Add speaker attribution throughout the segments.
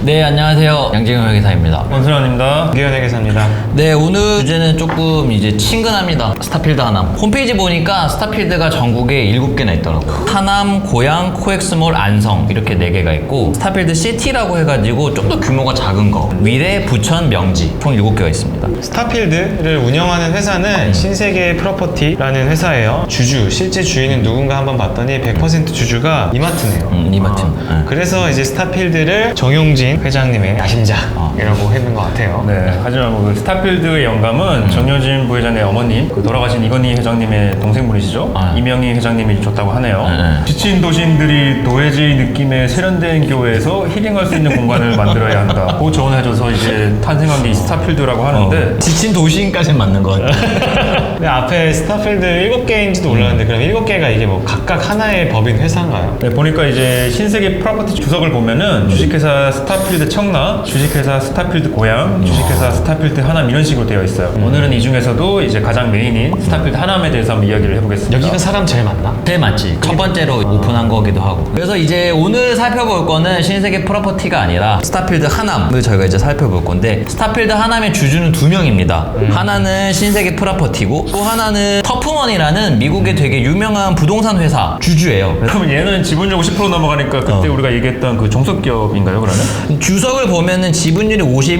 Speaker 1: 네, 안녕하세요. 양재경 회계사입니다.
Speaker 2: 원순환입니다.
Speaker 3: 유기현 회계사입니다.
Speaker 1: 네, 오늘 주제는 조금 이제 친근합니다. 스타필드 하남. 홈페이지 보니까 스타필드가 전국에 7개나 있더라고요. 하남, 고양, 코엑스몰, 안성 이렇게 4개가 있고 스타필드 시티라고 해가지고 좀 더 규모가 작은 거. 위례, 부천, 명지 총 7개가 있습니다.
Speaker 3: 스타필드를 운영하는 회사는 신세계 프로퍼티라는 회사예요. 실제 주인은 누군가 한번 봤더니 100% 주주가 이마트네요.
Speaker 1: 이마트입니다. 네.
Speaker 3: 그래서 이제 스타필드를 정용진 회장님의 야심작이라고 했는 것 같아요.
Speaker 2: 네, 하지만 뭐 그 스타필드의 영감은 정효진 부회장의 어머님, 그 돌아가신 이건희 회장님의 동생분이시죠. 이명희 회장님이 줬다고 하네요. 지친 도시인들이 도회지 느낌의 세련된 교회에서 힐링할 수 있는 공간을 만들어야 한다. 그 조언을 해줘서 이제 탄생한 게 이 스타필드라고 하는데
Speaker 1: 지친 도시인까지는 맞는 것 같아요.
Speaker 3: 근데 앞에 스타필드 7개인지도 몰랐는데 그럼 7개가 이게 뭐 각각 하나의 법인 회사인가요?
Speaker 2: 네, 보니까 이제 신세계 프로퍼티 주석을 보면은 주식회사 스타필드 청라, 주식회사 스타필드 고양, 주식회사 스타필드 하남 이런 식으로 되어 있어요. 오늘은 이 중에서도 이제 가장 메인인 스타필드 하남에 대해서 한번 이야기를 해보겠습니다.
Speaker 3: 여기가 사람 제일 많나?
Speaker 1: 제일 맞지. 첫 번째로 오픈한 거기도 하고. 그래서 이제 오늘 살펴볼 거는 신세계 프로퍼티가 아니라 스타필드 하남을 저희가 이제 살펴볼 건데 스타필드 하남의 주주는 2명입니다. 하나는 신세계 프로퍼티고 또 하나는 터프먼이라는 미국의 되게 유명한 부동산 회사 주주예요.
Speaker 2: 그러면 얘는 지분율 50% 넘어가니까 그때 우리가 얘기했던 그 종속기업인가요, 그러면?
Speaker 1: 주석을 보면은 지분율이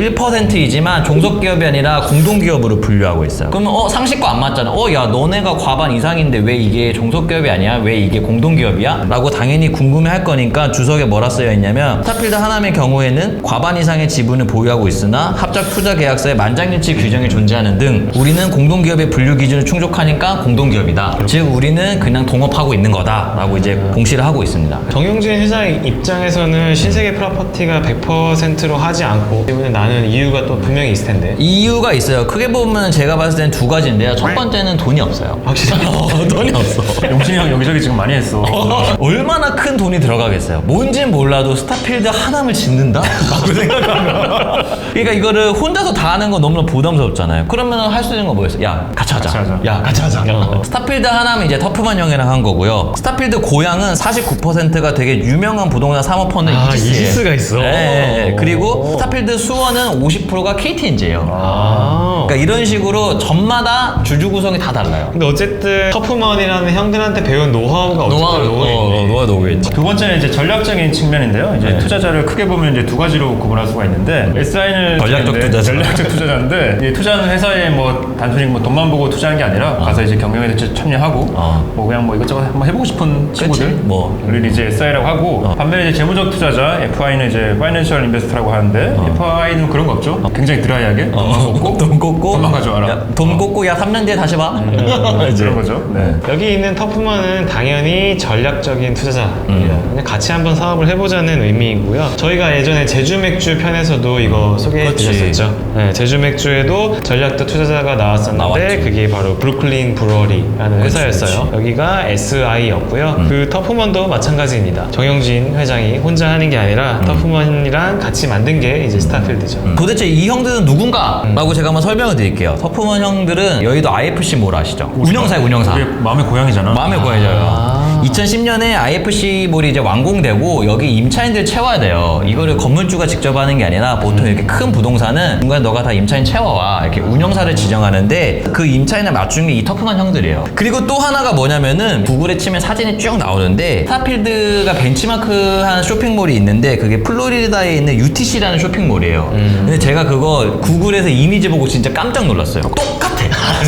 Speaker 1: 51%이지만 종속기업이 아니라 공동기업으로 분류하고 있어요. 그러면 상식과 안 맞잖아. 야 너네가 과반 이상인데 왜 이게 종속기업이 아니야? 왜 이게 공동기업이야? 라고 당연히 궁금해 할 거니까 주석에 뭐라 쓰여 있냐면 스타필드 하남의 경우에는 과반 이상의 지분을 보유하고 있으나 합작 투자 계약서에 만장일치 규정이 존재하는 등 우리는 공동기업의 분류 기준을 충족하니까 공동기업이다. 즉 우리는 그냥 동업하고 있는 거다 라고 이제 공시를 하고 있습니다.
Speaker 3: 정용진 회사의 입장에서는 신세계 프로퍼티가 100%로 하지 않고 때문에 나는 이유가 또 분명히 있을 텐데.
Speaker 1: 이유가 있어요. 크게 보면 제가 봤을 때는 2가지인데요. 첫 번째는 돈이 없어요.
Speaker 3: 확실히
Speaker 1: 돈이 없어.
Speaker 2: 용진이 형 여기저기 지금 많이 했어.
Speaker 1: 얼마나 큰 돈이 들어가겠어요. 뭔진 몰라도 스타필드 하남을 짓는다? 라고 생각하면 그러니까 이거를 혼자서 다 하는 건 너무나 부담스럽잖아요. 그러면 할 수 있는 건 뭐였어요? 야 같이 하자. 야 같이 하자. 스타필드 하남은 이제 터프만 형이랑 한 거고요. 스타필드 고양은 49%가 되게 유명한 부동산 사모펀드
Speaker 3: 이지스가 있어.
Speaker 1: 네. 그리고 스타필드 수원은 50%가 KTNG예요. 그러니까 이런 식으로 전마다 주주 구성이 다 달라요.
Speaker 3: 근데 어쨌든 터프먼이라는 형들한테 배운 노하우가
Speaker 1: 노하우가 녹여있지.
Speaker 2: 두 번째는 이제 전략적인 측면인데요. 이제 투자자를 크게 보면 이제 2가지로 구분할 수가 있는데 SI는 전략적 투자자인데 이 투자하는 회사에 뭐 단순히 뭐 돈만 보고 투자하는 게 아니라 가서 이제 경영에 참여하고 뭐 그냥 뭐 이것저것 한번 해보고 싶은 친구들 를 이제 SI라고 하고 반면에 이제 재무적 투자자 FI는 이제 파이낸셜 인베스터라고 하는데 FI는 그런 거 없죠. 굉장히 드라이하게
Speaker 1: 돈 꽂고
Speaker 2: 돈만 가져와라.
Speaker 1: 돈 꽂고 야 3년 뒤에 다시 봐.
Speaker 2: 그런 거죠. 네.
Speaker 3: 여기 있는 터프먼은 당연히 전략적인 투자자입니다. 그냥 같이 한번 사업을 해보자는 의미이고요. 저희가 예전에 제주맥주 편에서도 이거 소개해드렸었죠. 네, 제주맥주에도 전략적 투자자가 나왔었는데 그게 바로 브루클린 브루어리라는 회사였어요. 여기가 SI였고요. 그 터프먼도 마찬가지입니다. 정영진 회장이 혼자 하는 게 아니라 터프먼이랑 같이 만든 게 이제 스타필드죠.
Speaker 1: 도대체 이 형들은 누군가? 라고 제가 한번 설명을 드릴게요. 터프먼 형들은 여의도 IFC 몰 아시죠? 운영사예요, 운영사.
Speaker 2: 그게 마음의 고향이잖아.
Speaker 1: 마음의 고향이죠. 2010년에 IFC 몰이 이제 완공되고 여기 임차인들 채워야 돼요. 이거를 건물주가 직접 하는 게 아니라 보통 이렇게 큰 부동산은 중간에 너가 다 임차인 채워와 이렇게 운영사를 지정하는데 그 임차인을 맞춘 게 이 터프먼 형들이에요. 그리고 또 하나가 뭐냐면은 구글에 치면 사진이 쭉 나오는데 스타필드가 벤치마크한 쇼핑몰이 있는데 그게 플로리다에 있는 UTC라는 쇼핑몰이에요. 근데 제가 그거 구글에서 이미지 보고 진짜 깜짝 놀랐어요. 똑같아.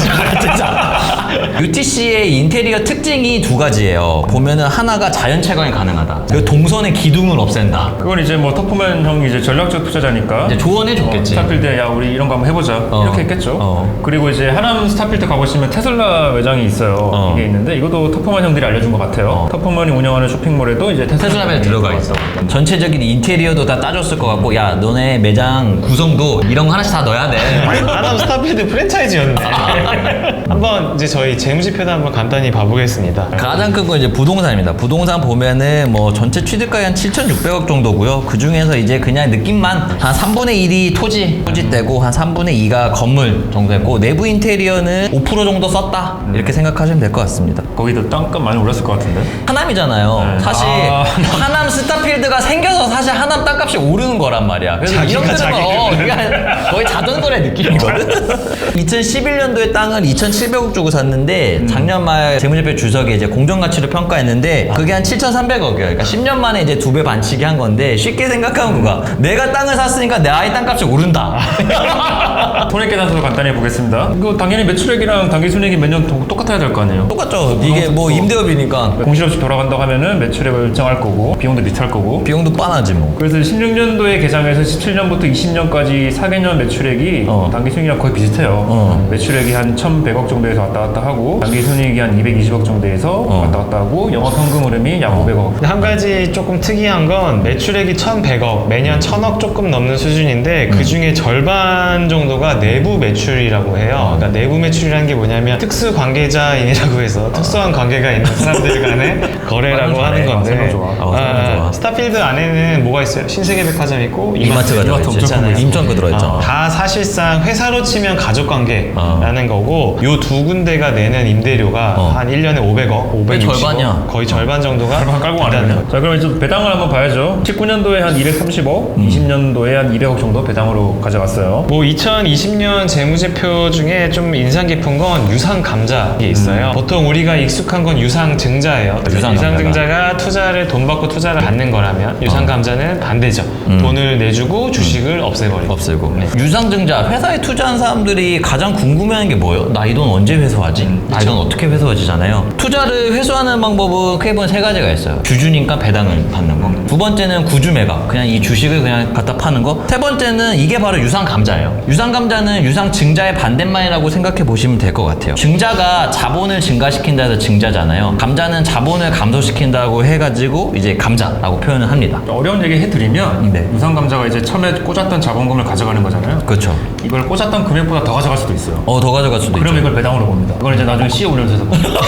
Speaker 1: 진짜. UTC의 인테리어 특징이 2가지예요. 보면은 하나가 자연 채광이 가능하다. 그리고 동선의 기둥을 없앤다.
Speaker 2: 그건 이제 뭐 터프맨 형이 이제 전략적 투자자니까
Speaker 1: 이제 조언해 줬겠지.
Speaker 2: 스타필드에 야 우리 이런 거 한번 해보자 이렇게 했겠죠. 그리고 이제 하남 스타필드 가보시면 테슬라 매장이 있어요. 이게 있는데 이것도 터프맨 형들이 알려준 것 같아요. 터프맨이 운영하는 쇼핑몰에도 이제 테슬라
Speaker 1: 매장 들어가 있어. 전체적인 인테리어도 다 따졌을 것 같고 야 너네 매장 구성도 이런 거 하나씩 다 넣어야 돼.
Speaker 3: 하남 스타필드 프랜차이즈였네. 한번 이제 저희 재무지표도 한번 간단히 봐보겠습니다.
Speaker 1: 가장 큰 건 이제 부동산입니다. 부동산 보면은 뭐 전체 취득가액 한 7,600억 정도고요. 그 중에서 이제 그냥 느낌만 한 3분의 1이 토지대고 한 3분의 2가 건물 정도 했고 내부 인테리어는 5% 정도 썼다 이렇게 생각하시면 될 것 같습니다.
Speaker 2: 거기도 땅값 많이 올랐을 것 같은데.
Speaker 1: 하남이잖아요.
Speaker 2: 네.
Speaker 1: 사실 하남 스타필드가 생겨서 사실 하남 땅값이 오르는 거란 말이야. 그래서 이 형들은 거의 자전거의 느낌이거든. 2011년도에 땅을 2,700억 주고 샀는데 작년 말 재무제표 주석에 이제 공정가치를 평가했는데 그게 한 7,300억이에요. 그러니까 10년 만에 이제 2배 반치기 한 건데 쉽게 생각하면 그거야. 내가 땅을 샀으니까 내 아이 땅값이 오른다.
Speaker 2: 손익계산서도 간단히 보겠습니다. 이거 당연히 매출액이랑 당기순이익이 매년 똑같아야 될 거 아니에요?
Speaker 1: 똑같죠. 이게 뭐 임대업이니까
Speaker 2: 공실없이 돌아간다고 하면은 매출액을 일정할 거고 비용도 비슷할 거고.
Speaker 1: 비용도 빤하지 뭐.
Speaker 2: 그래서 16년도에 개장해서 17년부터 20년까지 4개년 매출액이 당기순이익이랑 거의 비슷해요. 매출액이 한 1,100억 정도에서 왔다 갔다 하고 당기순이익이 한 220억 정도에서 왔다 갔다 하고 영업현금 흐름이 약 500억.
Speaker 3: 근데 한 가지 조금 특이한 건 매출액이 1,100억, 매년 1,000억 조금 넘는 수준인데 그 중에 절반 정도가 내부 매출이라고 해요. 그러니까 내부 매출이라는 게 뭐냐면 특수 관계자인이라고 해서 특수한 관계가 있는 사람들 간의 거래라고 하는 건데
Speaker 2: 설명 좋아.
Speaker 1: 좋아.
Speaker 3: 스타필드 안에는 뭐가 있어요? 신세계백화점 있고
Speaker 1: 이마트가 들어있잖아요. 인천 거 들어있잖아.
Speaker 3: 다 사실상 회사로 치면 가족관계라는 거고 요 두 군데가 내는 임대료가 한 1년에 500억, 560억
Speaker 1: 절반이야.
Speaker 3: 거의 절반 정도가
Speaker 2: 절반 깔고 가는 거죠. 자, 그럼 이제 배당을 한번 봐야죠. 19년도에 한 230억, 20년도에 한 200억 정도 배당으로 가져갔어요.
Speaker 3: 뭐 2020년 재무제표 중에 좀 인상 깊은 건 유상감자가 있어요. 보통 우리가 익숙한 건 유상증자예요. 유상증자가 투자를 돈 받고 투자를 받는 거라면 유상감자는 반대죠. 돈을 내주고 주식을 없애버리고.
Speaker 1: 없애고. 네. 유상증자 회사에 투자한 사람들이 가장 궁금해하는 게 뭐예요? 나 이 돈 언제 회수하지? 나 이 돈 어떻게 회수하지잖아요. 투자를 회수하는 방법은 크게 보면 세 가지가 있어요. 주주니까 배당을 받는 거. 두 번째는 구주매각, 그냥 이 주식을 그냥 갖다 파는 거. 세 번째는 이게 바로 유상감자예요. 유상감자는 유상증자의 반대말이라고 생각해 보시면 될 것 같아요. 증자가 자본을 증가시킨다 해서 증자잖아요. 감자는 자본을 감소시킨다고 해가지고 이제 감자라고 표현을 합니다.
Speaker 2: 어려운 얘기 해드리면
Speaker 1: 네.
Speaker 2: 유상감자가 이제 처음에 꽂았던 자본금을 가져가는 거잖아요.
Speaker 1: 그렇죠.
Speaker 2: 이걸 꽂았던 금액보다 더 가져갈 수도 있어요.
Speaker 1: 더 가져갈 수도
Speaker 2: 그럼
Speaker 1: 있죠.
Speaker 2: 이걸 배당으로 봅니다. 이걸 이제 나중에 CEO 올려서 봅니다.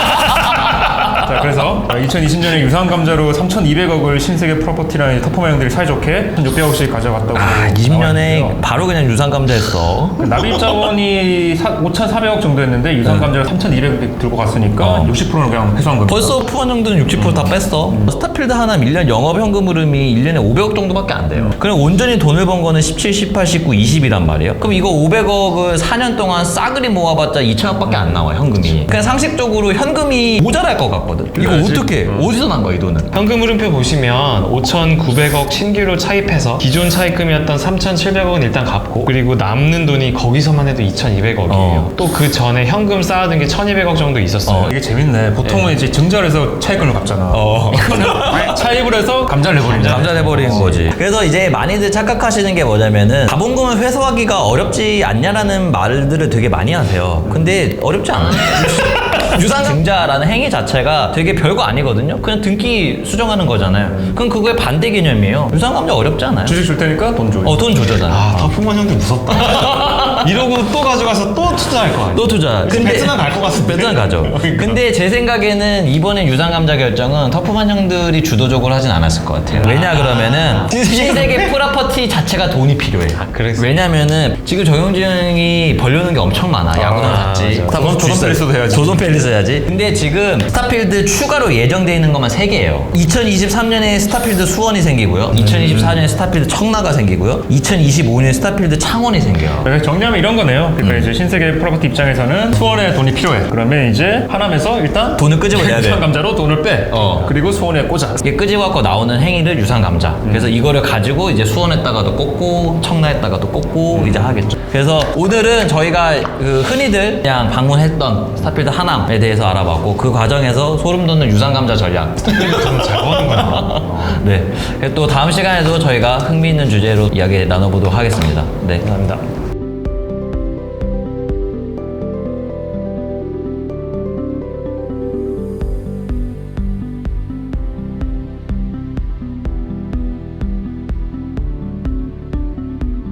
Speaker 2: 자, 그래서 2020년에 유상감자로 3,200억을 신세계 프로퍼티라는 터포마 형들이 사이좋게 1,600억씩 가져갔다고.
Speaker 1: 20년에 바로 그냥 유상감자했어.
Speaker 2: 납입 자본이 5,400억 정도 했는데 유상감자를 3,200억 들고 갔으니까 60%는 그냥 회수한 겁니다.
Speaker 1: 벌써 푸한 정도는 60%다 뺐어. 스타필드 하나 1년 영업현금 흐름이 1년에 500억 정도밖에 안 돼요. 그럼 온전히 돈을 번 거는 17, 18, 19, 20이란 말이에요. 그럼 이거 500억을 4년 동안 싸그리 모아봤자 2천억밖에 안 나와, 현금이. 그냥 상식적으로 현금이 모자랄 것 같거든. 이거 어떻게, 어디서 난 거야, 이 돈은?
Speaker 3: 현금 흐름표 보시면 5,900억 신규로 차입해서 기존 차입금이었던 3,700억은 일단 갚고 그리고 남는 돈이 거기서만 해도 2,200억이에요. 또 그 전에 현금 쌓아둔 게 1,200억 정도 있었어요.
Speaker 2: 이게 재밌네. 보통은 이제 증자를 해서 차입금을 갚잖아. 이거는 차입을 해서 감자를 내버린다.
Speaker 1: 감자 내버리는 거지. 그래서 이제 많이들 착각하시는 게 뭐냐면은 자본금을 회수하기가 어렵지 않냐라는 말들을 되게 많이 하세요. 근데 어렵지 않아요. 유상증자라는 행위 자체가 되게 별거 아니거든요. 그냥 등기 수정하는 거잖아요. 그럼 그거의 반대 개념이에요. 유상감자 어렵지 않아요.
Speaker 2: 주식 줄 테니까 돈 줘.
Speaker 1: 돈 조져잖아.
Speaker 3: 터프만 형들 무섭다. 이러고 또 가져가서 또 투자할 거 아니야.
Speaker 1: 또 투자.
Speaker 3: 베트남 갈 것 같은데.
Speaker 1: 베트남 가죠.
Speaker 3: 그러니까.
Speaker 1: 근데 제 생각에는 이번에 유상감자 결정은 터프만 형들이 주도적으로 하진 않았을 것 같아요. 왜냐 그러면은 신세계 프로퍼티 자체가 돈이 필요해.
Speaker 3: 그래서?
Speaker 1: 왜냐면은 지금 정용진 형이 벌려는 게 엄청 많아. 야구단 샀지.
Speaker 3: 맞아.
Speaker 2: 조선 팰리스도 해야지.
Speaker 1: 조선 팰리스 해야지. 근데 지금 스타필드 추가로 예정돼 있는 것만 3개예요. 2023년에 스타필드 수원이 생기고요. 2024년에 스타필드 청라가 생기고요. 2025년에 스타필드 창원이 생겨요.
Speaker 2: 그래서 정리하면 이런 거네요. 그러니까 이제 신세계 프로퍼티 입장에서는 수원에 돈이 필요해. 그러면 이제 하남에서 일단
Speaker 1: 돈을 끄집어내야 돼.
Speaker 2: 유상감자로 돈을 빼.
Speaker 1: 어.
Speaker 2: 그리고 수원에 꽂아.
Speaker 1: 이게 끄집어갖고 나오는 행위를 유상감자. 그래서 이거를 가지고 이제 수원에다가도 꽂고 청라에다가도 꽂고 이제 하겠죠. 그래서 오늘은 저희가 그 흔히들 그냥 방문했던 스타필드 하남에 대해서 알아봤고 그 과정에서 소름 돋는 유상감자 전략.
Speaker 3: 저는 잘 버는 거야.
Speaker 1: 네. 또 다음 시간에도 저희가 흥미있는 주제로 이야기 나눠보도록 하겠습니다. 네.
Speaker 3: 감사합니다.